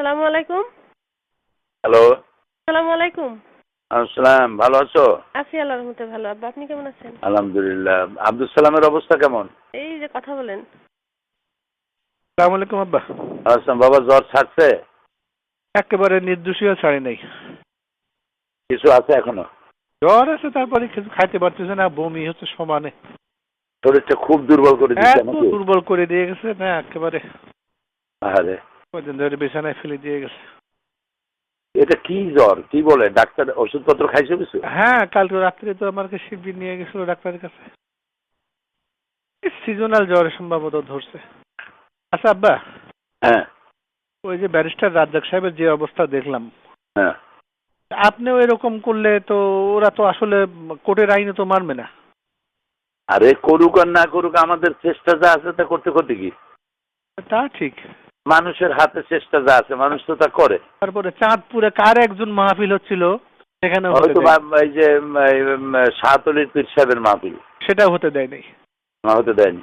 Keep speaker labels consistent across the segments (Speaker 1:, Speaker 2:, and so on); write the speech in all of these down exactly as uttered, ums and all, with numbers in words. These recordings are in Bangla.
Speaker 1: আসসালামু আলাইকুম।
Speaker 2: হ্যালো।
Speaker 1: আসসালামু আলাইকুম।
Speaker 2: আসসালাম, ভালো আছো?
Speaker 1: আছি আল্লাহর রহমতে ভালো। আব্বা আপনি কেমন আছেন?
Speaker 2: আলহামদুলিল্লাহ। আব্দুল সালামের অবস্থা কেমন?
Speaker 1: এই যে কথা বলেন।
Speaker 3: আসসালামু আলাইকুম আব্বা।
Speaker 2: আসসালাম। বাবা জ্বর ছাড়ছে?
Speaker 3: একেবারে নির্দোষীয় ছাড়ি নাই।
Speaker 2: কিছু আছে এখনো?
Speaker 3: জ্বর আছে, তারপরে কিছু খাইতে পারতেছে না, বমি হচ্ছে সমানে।
Speaker 2: শরীরটা খুব দুর্বল করে দিচ্ছে
Speaker 3: এত
Speaker 2: নাকি?
Speaker 3: দুর্বল করে দিয়ে গেছে না একেবারে।
Speaker 2: আরে
Speaker 3: কদিন ধরে বিছানায় ফেলে দিয়ে গেছে।
Speaker 2: এটা কি জ্বর? কি বলে ডাক্তার? ওষুধপত্র খাইছো কিছু?
Speaker 3: হ্যাঁ, কালকে রাত্রে তো আমাকে শিবির নিয়ে গেছিল ডাক্তারের কাছে। সিজনাল জ্বর সম্ভবত ধরছে। আচ্ছা আব্বা,
Speaker 2: হ্যাঁ
Speaker 3: ওই যে ব্যারিস্টার রাজ্জাক সাহেবের যে অবস্থা দেখলাম,
Speaker 2: হ্যাঁ।
Speaker 3: আপনিও এরকম করলে তো ওরা তো আসলে কোর্টের আইনে তো মানবে না।
Speaker 2: আরে করুক আর না করুক, আমাদের চেষ্টা যা আছে তা করতে করতে কি?
Speaker 3: তা ঠিক।
Speaker 2: মানুষের হাতে চেষ্টা যা আছে মানুষ তো তা করে।
Speaker 3: তারপরে চাঁদপুরে কার একজন মাহফিল হচ্ছিল, সেখানে
Speaker 2: হয়তো এই যে শাহতলির পীর সাহেবের মাহফিল,
Speaker 3: সেটা হতে দেয় নাই।
Speaker 2: হতে দেয়নি।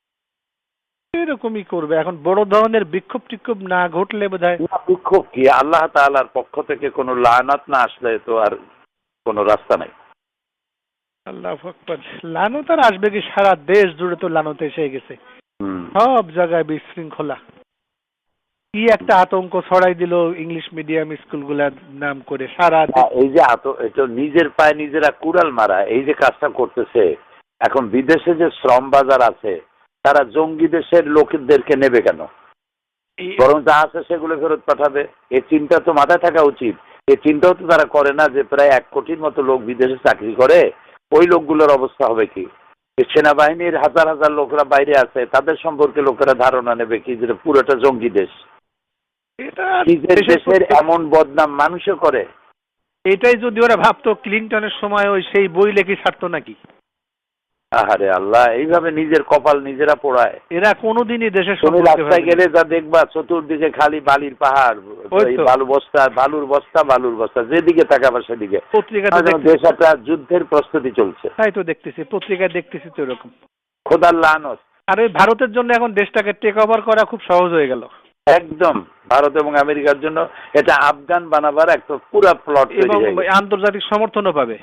Speaker 3: এরকমই করবে এখন, বড় ধরনের বিক্ষোভ টিক্ষোভ না ঘটলে বোধহয়।
Speaker 2: বিক্ষোভ কি? আল্লাহ তাআলার পক্ষ থেকে কোনো লানাত না আসলে তো আর কোনো রাস্তা নাই।
Speaker 3: আল্লাহু আকবার। লানত আর আসবে কি? সারা দেশ জুড়ে তো লানত এসে গেছে,
Speaker 2: হুম।
Speaker 3: সব জায়গায় বিশৃঙ্খলা। কি একটা আতঙ্ক ছড়াই দিল ইংলিশ মিডিয়াম স্কুলগুলার নাম করে সারা দেশ।
Speaker 2: এই যে আত এটা নিজের পায়ে নিজেরা কুড়াল মারা, এই যে কাজটা করতেছে। এখন বিদেশে যে শ্রম বাজার আছে, তারা জঙ্গি দেশের লোকদেরকে নেবে কেন? বরং যা আছে সেগুলো ফেরত পাঠাবে। এই চিন্তা তো মাথায় থাকা উচিত। এই চিন্তাও তো তারা করে না যে প্রায় এক কোটির মতো লোক বিদেশে চাকরি করে, ওই লোকগুলোর অবস্থা হবে কি? সেনাবাহিনীর হাজার হাজার লোকরা বাইরে আছে, তাদের সম্পর্কে লোকেরা ধারণা নেবে কি যে পুরোটা জঙ্গি দেশ। নিজের দেশের এমন বদনাম মানুষও করে।
Speaker 3: এটাই যদি ওরা ভাবতো ক্লিনটনের সময় ওই সেই বই লেখি ছাড়তো নাকি?
Speaker 2: আহারে আল্লাহ, এইভাবে নিজের কপাল নিজেরা পোড়ায়।
Speaker 3: এরা কোনোদিনই দেশের
Speaker 2: তুমি রাস্তায় গেলে যা দেখবা চতুর্দিকে খালি বালির পাহাড়, বালু বস্তা, বালুর বস্তা, বালুর বস্তা, যেদিকে তাকাবা সেদিকে।
Speaker 3: পত্রিকাতে
Speaker 2: দেশ একটা যুদ্ধের প্রস্তুতি চলছে।
Speaker 3: তাই তো দেখতেছি, পত্রিকায় দেখতেছি তো এরকম।
Speaker 2: খোদার লানত।
Speaker 3: আর ওই ভারতের জন্য এখন দেশটাকে টেক ওভার করা খুব সহজ হয়ে গেল।
Speaker 2: একদম ভারত এবং আমেরিকার জন্য এটা আফগান বানাবার একটা পুরা প্লট
Speaker 3: এবং আন্তর্জাতিক সমর্থনও পাবে।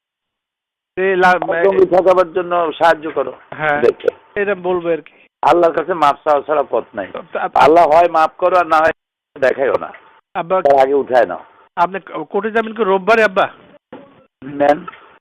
Speaker 2: ঠকাবার জন্য সাহায্য করো।
Speaker 3: হ্যাঁ, এটা বলবো আর কি।
Speaker 2: আল্লাহর কাছে মাপ চাওয়া ছাড়া পথ নাই। আল্লাহ হয় মাফ করো আর না হয় দেখাইও না।
Speaker 3: আব্বা
Speaker 2: আগে উঠায় নাও।
Speaker 3: আপনি কোর্টে যাবেন কি রোববারে আব্বা?
Speaker 2: নেন,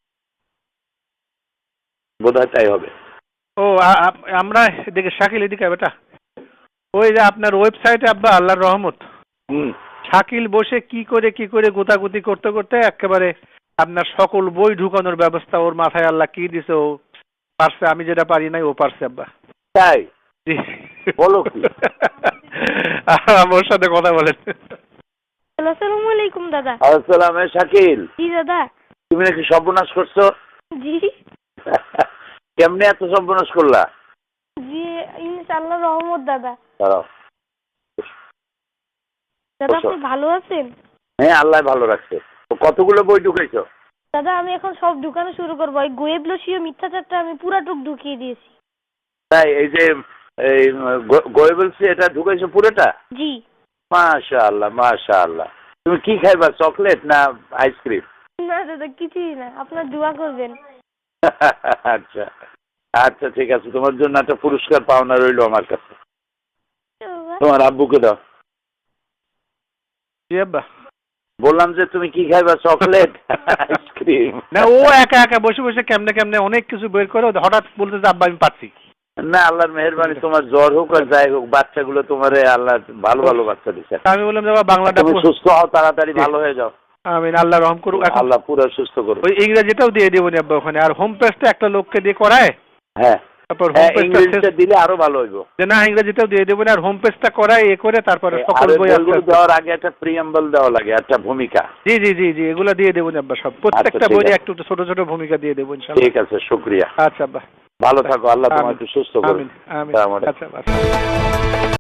Speaker 2: বোধহয় তাই হবে।
Speaker 3: ও আমরা এদিকে শাকিল এদিকে বেটা, ওই যে আপনার ওয়েবসাইটে আব্বা আল্লাহর রহমত,
Speaker 2: হুম,
Speaker 3: শাকিল বসে কি করে কি করে গোতাগুতি করতে করতে একেবারে আপনার সকল বই ঢুকানোর ব্যবস্থা ওর মাথায় আল্লাহ কি দিছে, ও পারছে। আমি যেটা পারি নাই ও পারছে আব্বা।
Speaker 2: তাই বলো কি?
Speaker 3: ওর সাথে কথা বলেন।
Speaker 1: আসসালামু আলাইকুম দাদা।
Speaker 2: আসসালাম। শাকিল,
Speaker 1: জি দাদা।
Speaker 2: তুমি নাকি সর্বনাশ করছো?
Speaker 1: জি।
Speaker 2: কেমনে এত সর্বনাশ করলা?
Speaker 1: জি ইনশাআল্লাহ রহমত দাদা।
Speaker 2: দাঁড়াও।
Speaker 1: দাদা আপনি ভালো আছেন?
Speaker 2: হ্যাঁ, আল্লাহ ভালো রাখছে। কতগুলো বই ঢুকাইছো?
Speaker 1: দাদা আমি এখন সব ঢুকানো শুরু করবো। ওই গোয়েবলসীয় মিথ্যাচারটা আমি পুরাটুক ঢুকিয়ে দিয়েছি।
Speaker 2: তাই? এই যে এই গোয়েবলসি এটা ঢুকাইছো পুরোটা?
Speaker 1: জি।
Speaker 2: মাশাআল্লাহ মাশাআল্লাহ। তুমি কি খাইবা, চকলেট না আইসক্রিম?
Speaker 1: না দাদা কিছুই না, আপনার দোয়া করবেন।
Speaker 2: আচ্ছা আচ্ছা ঠিক আছে, তোমার জন্য একটা পুরস্কার পাওনা রইলো আমার কাছে। তোমার আব্বুকে দাও।
Speaker 3: জি আব্বা।
Speaker 2: বললাম যে তুমি কি খাইবা, চকলেট আইসক্রিম?
Speaker 3: না, ও একা একা বসে বসে কেমনে কেমনে অনেক কিছু বের করে হঠাৎ বলতে যে আব্বা আমি পাচ্ছি
Speaker 2: না। আল্লাহর মেহেরবানি, তোমার জ্বর হোক আর যাই হোক, বাচ্চাগুলো তোমার আল্লাহ ভালো ভালো বাচ্চা দিচ্ছে।
Speaker 3: আমি বললাম যে বাংলাটা
Speaker 2: তুমি সুস্থ হও, তাড়াতাড়ি ভালো হয়ে যাও।
Speaker 3: আমিন, আল্লাহ রহম করুক।
Speaker 2: আল্লাহ পুরো সুস্থ করুক।
Speaker 3: ওই ইংরেজিটাও দিয়ে দেবো আব্বা ওখানে, আর হোম পেজটা একটা লোককে দিয়ে করায়।
Speaker 2: হ্যাঁ,
Speaker 3: তারপর
Speaker 2: ইংরেজিটা দিলে আরো ভালো হইব।
Speaker 3: না, ইংরেজিটাও দিয়ে দেবো আর হোম পেজটা করায় এ করে তারপরে সকল বই
Speaker 2: দেওয়ার আগে একটা প্রিয়াম্বল দেওয়া লাগে, একটা ভূমিকা।
Speaker 3: জি জি জি জি এগুলো দিয়ে দেবো আব্বা, সব প্রত্যেকটা বইয়ে একটু ছোট ছোট ভূমিকা দিয়ে দেবো ইনশাআল্লাহ।
Speaker 2: ঠিক আছে, শুকরিয়া।
Speaker 3: আচ্ছা আব্বা,
Speaker 2: ভালো থাকো। আল্লাহ তোমাকে সুস্থ করুন।
Speaker 3: আমিন আমিন। আচ্ছা আচ্ছা।